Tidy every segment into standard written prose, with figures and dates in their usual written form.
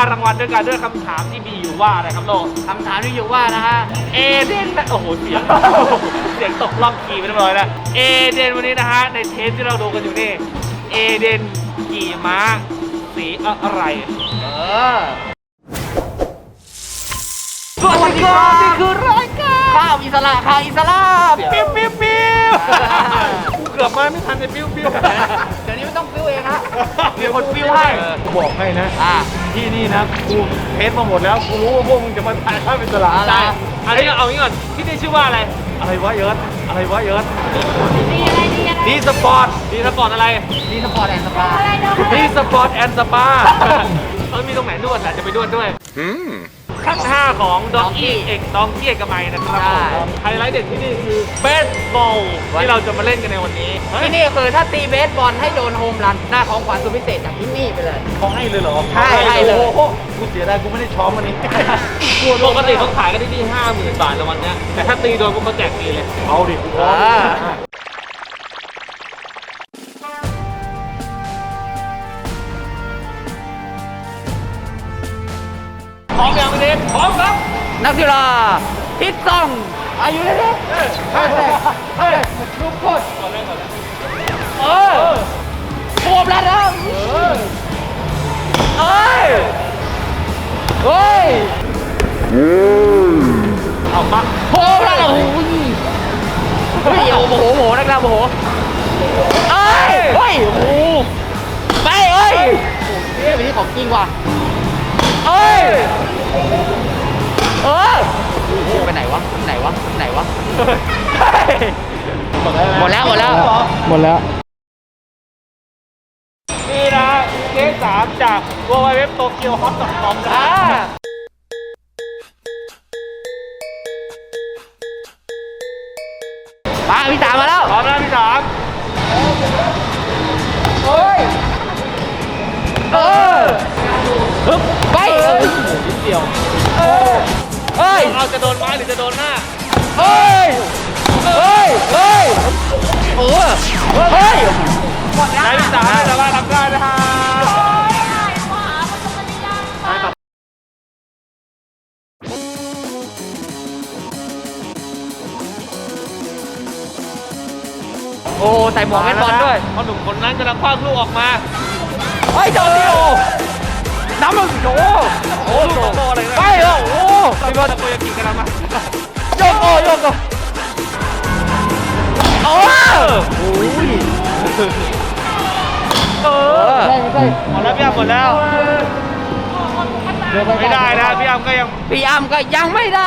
รางวัลด้วยกันด้วยคำถามที่มีอยู่ว่าอะไรครับโลคำถามที่อยู่ว่านะฮะเอเดนโอ้โหเสียงตกล่องขี่ไปเรียบร้อยแล้วเอเดนวันนี้นะฮะในเทปที่เราดูกันอยู่นี่เอเดนขี่ม้าสีอะไรสวัสดีครับนี่คือรายการข้าวอิสระข้าวอิสระปิ้วกูเกือบมาไม่ทันเลยปิ้วเดี๋ยวนี้ไม่ต้องปิ้วเองฮะมีคนปิ้วให้บอกให้นะที่นี่นะกูเทสมาหมดแล้วกูรู้ว่าพวกมึงจะมาถ่ายข้าวอิสระใช่อันนี้เอางี้ก่อนที่นี่ชื่อว่าอะไรวะเยิร์ดดีสปอร์ตอะไรดีสปอร์ตแอนด์สปามันมีตรงไหนนวดแหละจะไปนวดด้วยขั้น5ของดองกี้เอกมัยนะครับผมไฮไลท์เด็ดที่นี่คือเบสบอลที่เราจะมาเล่นกันในวันนี้ที่นี่คือถ้าตีเบสบอลให้โดนโฮมรันหน้าของขวัญสุดพิเศษจากที่นี่ไปเลยเขาให้เลยเหรอให้เลยกูเสียดายกูไม่ได้ช้อมวันนี้ปกติเขาขายกันที่50,000 บาทแล้ววันนี้แต่ถ้าตีโดนพวกเขาแจกฟรีเลยเอาดิกูพร้อมพร้อมยังเด็กพร้อมครับนักกีฬาทิศต้องอายุเด็กลูกโคตรโคบแล้วนะเอามาโคบแล้วโอ้โหนักกีฬาโมโหโอ้ไปไปที่ของจริงว่ะไปไหนวะหมดแล้วนี่นะเกม3จาก www.tokyohot.com นะพี่3มาแล้วพร้อมแล้วพี่3 ไปนิดเดียวเราจะโดนไม้หรือจะโดนหน้านายพิสารแต่ว่าทำได้นะฮะใส่หมวกเล่นบอลด้วยเพราะหนุ่มคนนั้นกำลังคว้างลูกออกมาเจ้าดิโอน้ำมันโลูกโตอะไรนะไปพี่บอลตะโกนกินกันแล้วมั้ยโยกใช่หมดแล้วพี่อ้ำหมดแล้วไม่ได้นะพี่อ้ำก็ยังไม่ได้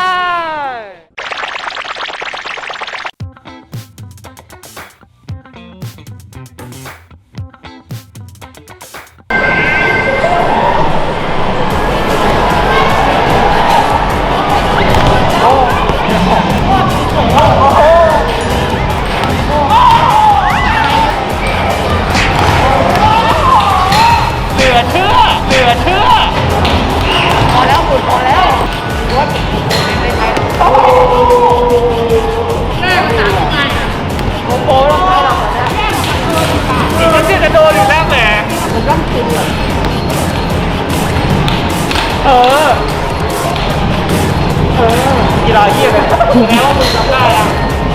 พอแล้ววัดในไทยแม่ภาษาไทยโอ้โหเราไม่หรอกนี่มันจะโดนอยู่แล้วแหมมันต้องกินเลยกีฬาเยี่ยมเลยแล้วมึงทำได้อะ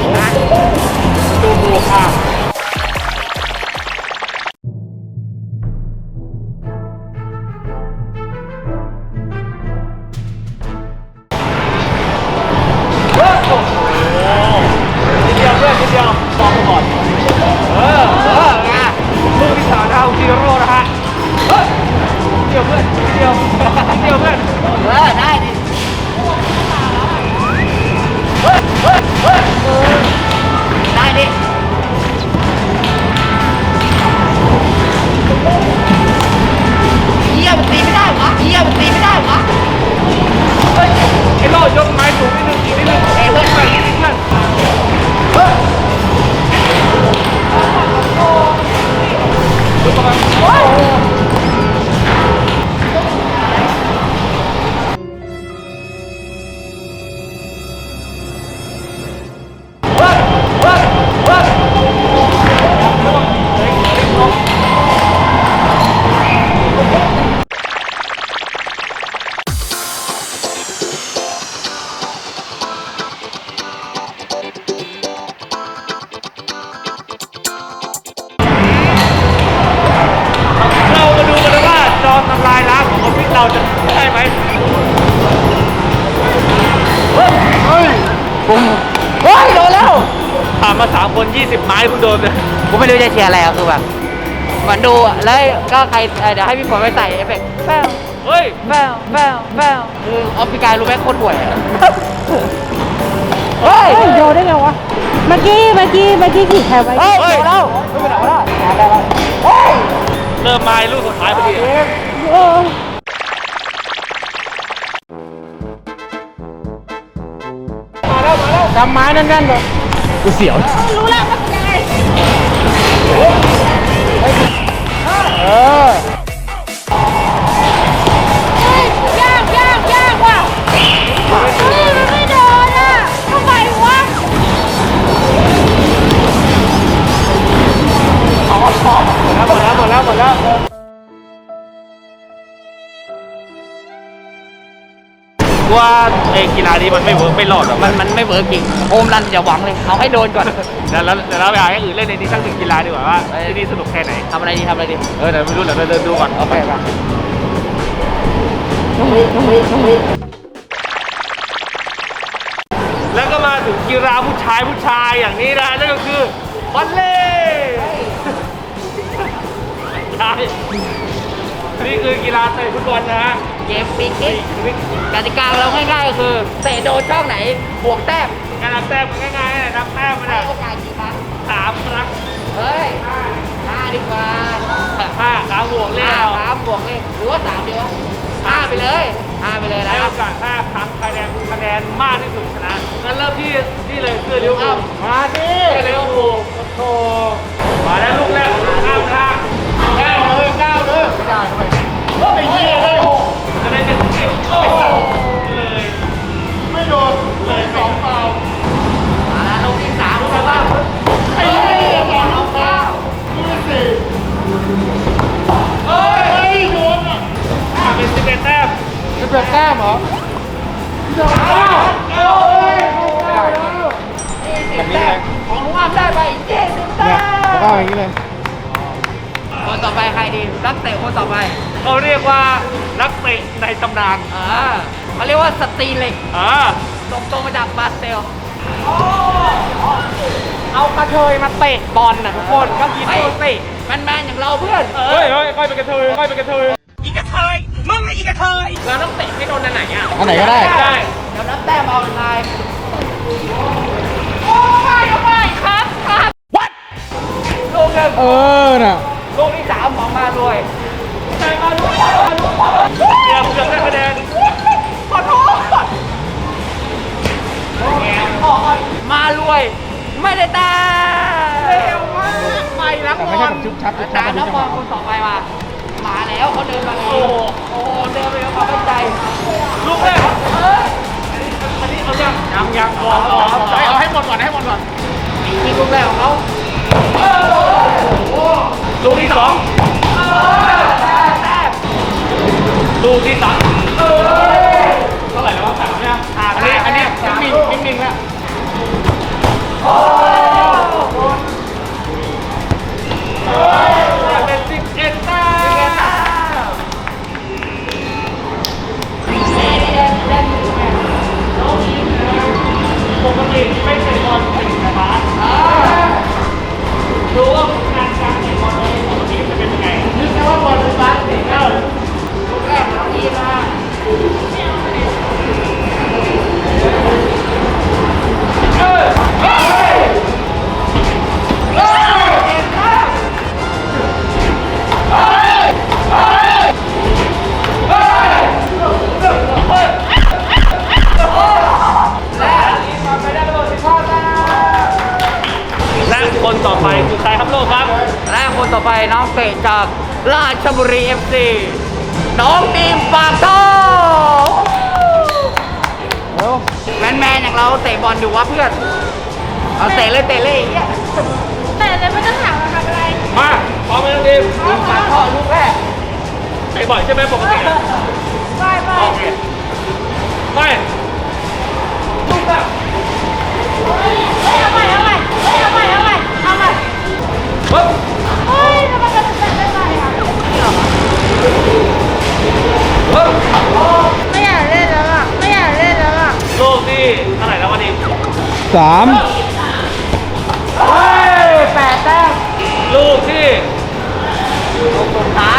ดูค่ะนิดเดียวมองก่อนลูกที่สามดาวซีโร่นะฮะนิดเดียวเพื่อนได้ดิได้ดิเยี่ยมตีไม่ได้วะไอ้โลยกไม้สูงนิดนึงอีกนิดนึงเพื่อนไปนิดนึงเพื่อนออฟฟิศเราจะได้ไหมเฮ้ยโดนแล้วผ่านมา3 คน 20 ไม้คุณโดนเลยกูไม่รู้จะเชียร์อะไรอ่ะคือแบบเหมือนดูอะแล้วก็ใครเดี๋ยวให้พี่ฝนไปใส่เอฟเฟกต์แป้วเฮ้ยแป้วแป้วแป้วคือออฟฟิกายรู้ไหมโคตรห่วยอะเฮ้ยโยนได้ไงวะ เมื่อกี้ขี่แคบไว้เฮ้ยโดนแล้วไม่เป็นไรวะได้แล้วเฮ้ยเริ่มมาลูกสุดท้ายพอดีเออจำไม้นั่นๆเลยกูเสียวรู้แล้วว่าเป็นยังไงเออเฮ้ยยากว่ะเฮ้ยมันไม่โดนอ่ะทำไมวะหมดแล้ว ว่าไอ้กีฬานี้มันไม่เวิร์กไม่รอดหรอกมันไม่เวิร์กจริงโอมรันอย่าหวังเลยเอาให้โดนก่อนเดี๋ยวเราไปหาอย่างอื่นเล่นในนี้สัก1 กีฬาดีกว่าว่าที่นี่สนุกแค่ไหนทำอะไรดีเดี๋ยวไม่รู้เดี๋ยวเราเดินดูก่อนโอเคป่ะแล้วก็มาถึงกีฬาผู้ชายอย่างนี้นะนั่นก็คือบอลเล่ใช่นี่คือกีฬาเตะฟุตบอลนะฮะเกมปีกกติกาเราง่ายๆก็คือเตะโดนช่องไหนบวกแต้มการนับแต้มง่ายๆนะนับแต้มมันให้อะโอกาสกี่ครั้ง 3 ครั้งเฮ้ยห้าดีกว่า 5 ครั้งบวกเล่ห้าเอาครั้งบวกเลยหรือว่า3ดีวะห้าไปเลยนะให้โอกาส5 ครั้งคะแนนมากที่สุดชนะงั้นเริ่มที่นี่เลยคือลิเวอร์พูลมาดิเร็วโอ้โหมาแล้วลูกแรกของข้ามนะก้าวเลยไม่ได้ทำไมไอ้เหี้ยเลยจะได้เป็นสิบโอ้โหเลยไม่โดนเลย2 เปล่ามาลงที่3แล้วบ้างไอ้เหี้ย2 เอาเข้าลูกที่4เฮ้ยโดนอ่ะเป็น11 แต้มจะเปิดแต้มเหรอแบบนี้เลยของลุงอ้ามได้ไป70แต้มแล้วก็อย่างนี้เลยคนต่อไปใครดีนักเตะคนต่อไปเขาเรียกว่านักเตะในตำนานเขาเรียกว่าสตรีเหล็ก ตรงมาจากบราซิลเอากระเทยมาเตะบอลน่ะทุกคนก็คิดดูสิแมนๆอย่างเราเพื่อนเฮ้ยค่อยเป็นกระเทยค่อยเป็นกระเทยเราต้องเตะให้โดนอันไหนอ่ะอันไหนก็ได้ได้เดี๋ยวนับแต้มเอาเป็นไงโอ้ยครับลูกหนึ่งน่ะลูกที่3ของมาด้วยเกือบได้คะแนนขอโทษมาด้วย ไม่ได้แต้มเร็วมากไปแล้วบอลตามน้องบอลคนต่อไปมาแล้วเขาเดินมาเองโอ้โหเดินไปแล้วความมั่นใจลูกแรกอันนี้เอายังรอเอาให้หมดก่อนให้หมดก่อนนี่ลูกแรกของเขาลูกที่2ลูกที่3เท่าไหร่แล้ววะ3เนี่ยอันนี้นิ่งแล้วเป็น11 แต้มปกติไม่เตะบอลถึงนะครับดูว่าการเตะบอลของปกติจะเป็นยังไงนึกแค่ว่าบอลเป็นบาสเตะเข้าลูกแรกของทีมมาและคนต่อไปคือใครครับโลกครับและคนต่อไปน้องเตะจากราชบุรี FC น้องทีมปากท่อแมนๆอย่างเราเตะบอลอยู่วะเพื่อน เอาเตะเลยไอ้เหี้ยแต่เลยไม่ต้องถามว่าทำอะไรมาพร้อมไหมน้องทีมทีมปากท่อลูกแรกเตะบ่อยใช่ไหมปกติอะไปโอเคไปลูกแบบเอาใหม่ปึ๊บเฮ้ยทำไมกระโดดได้ไหมอ่ะเฮ้ย 8 แต้มลูกที่ลูกสุดท้าย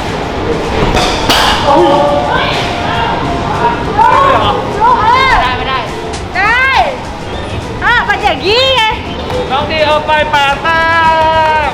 ลูกไม่ได้ได้มันอย่างนี้ไงน้องดีเอาไป8 แต้ม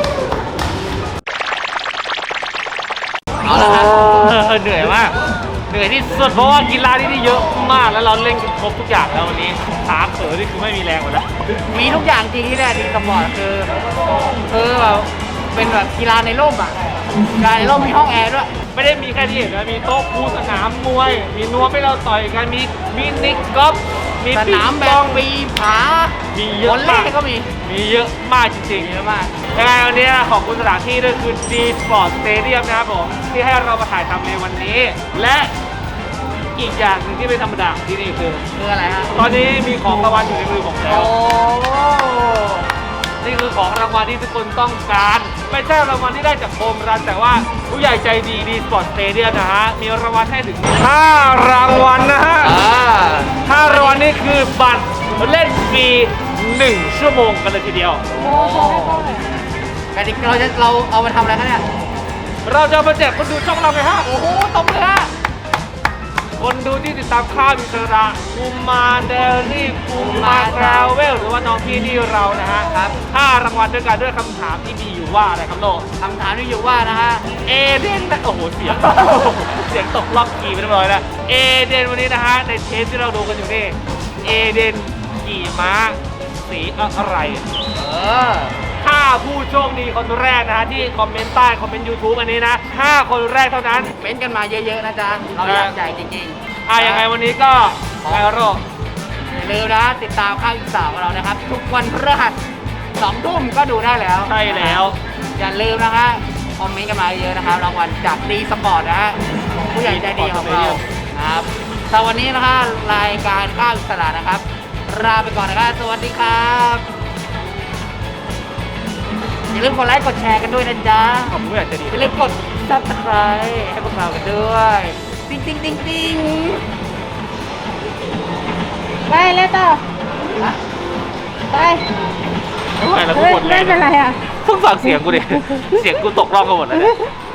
เอาละครับเหนื่อยมาก เหนื่อยที่สุดเพราะว่ากีฬาที่นี่เยอะมากแล้วเราเล่นครบทุกอย่างแล้ววันนี้ขาเขอนี่คือไม่มีแรงหมดแล้วมีทุกอย่างจริงที่เนี่ยดีสปอร์ตคือแบบเป็นแบบกีฬาในร่มอ่ะกีฬาในร่มมีห้องแอร์ด้วยไม่ได้มีแค่ที่เห็นนะมีโต๊ะปูสนามมวย มีนวมให้เราต่อยกันมีมินิกอล์ฟมีสปิงนามปแบอบ งปีผามีเยอะวอลเล่มากก็มีมีเยอะมากจริงเยอะมากๆยังไงวันนี้ขอบคุณสถานที่ด้วยคือ D Sport Stadium นะครับผมที่ให้เรามาถ่ายทำในวันนี้ และอีกอย่างหนึ่งที่ไม่ธรรมดาของที่นี่คือคืออะไรฮะตอนนี้มีของรางวัลอยู่ในมือผมแล้โอ้ว นี่คือของรางวัลที่ทุกคนต้องการ ไม่ใช่รางวัลที่ได้จากโฮมรันแต่ว่าผู้ใหญ่ใจดีดีสปอร์ตสเตเดียมนะฮะ มีรางวัลให้ถึง 5 รางวัลนะฮะ 5 รางวัลนี่คือบัตรเล่นฟรี 1 ชั่วโมงกันเลยทีเดียวกติกาเราเอามาทำอะไรคะเนี่ยเราจะมาแจกคนดูช่องเราไงฮะโอ้โหตบเลยฮะคนดูที่ติดตามข้าวอิสระภูมิมาเดลี่ภูมิมาทราเวลหรือว่าน้องพี่ที่เรานะฮะครับ 5 รางวัลด้วยกันด้วยคำถามที่มีอยู่ว่าอะไรครับโลคำถามที่อยู่ว่านะฮะเอเดนโอ้โหเสียง เสียงตกรอบขี่ไปเรียบร้อยแล้วเอเดนวันนี้นะฮะในเทปที่เราดูกันอยู่นี่เอเดนขี่ม้าสีอะไร 5 ผู้โชคดีคนแรกนะฮะที่คอมเมนต์ใต้คอมเมนต์ YouTube อันนี้นะ 5 คนแรกเท่านั้นเม้นกันมาเยอะๆนะจ๊ะ เราอยากจ่ายจริงๆยังไงวันนี้ก็ไงโรอย่าลืมนะติดตามข้าวอีสานของเรานะครับ ทุกวันพฤหัส2 ทุ่มก็ดูได้แล้วใช่แล้วอย่าลืมนะฮะคอมเมนต์กันมาเยอะนะครับรางวัลจากดีสปอร์ตนะฮะของผู้ใหญ่ใจดีของเราครับแต่วันนี้นะฮะรายการข้าวอิสระนะครับลาไปก่อนนะครับสวัสดีครับอย่าลืมกดไลค์กดแชร์กันด้วยนะจ๊ะขอบคุณผู้ใหญ่ใจดีอย่าลืมกด subscribe ให้พวกเรากันด้วยติ๊งติ๊งติ๊งติ๊งไปเลยต่อฮะไปไม่ไหวแล้วกูหมดแรไม่งเป็นไรอ่ะเพิ่งฟังเสียงกูดิ เสียงกูตกรอบกันหมดเลยเนี่ย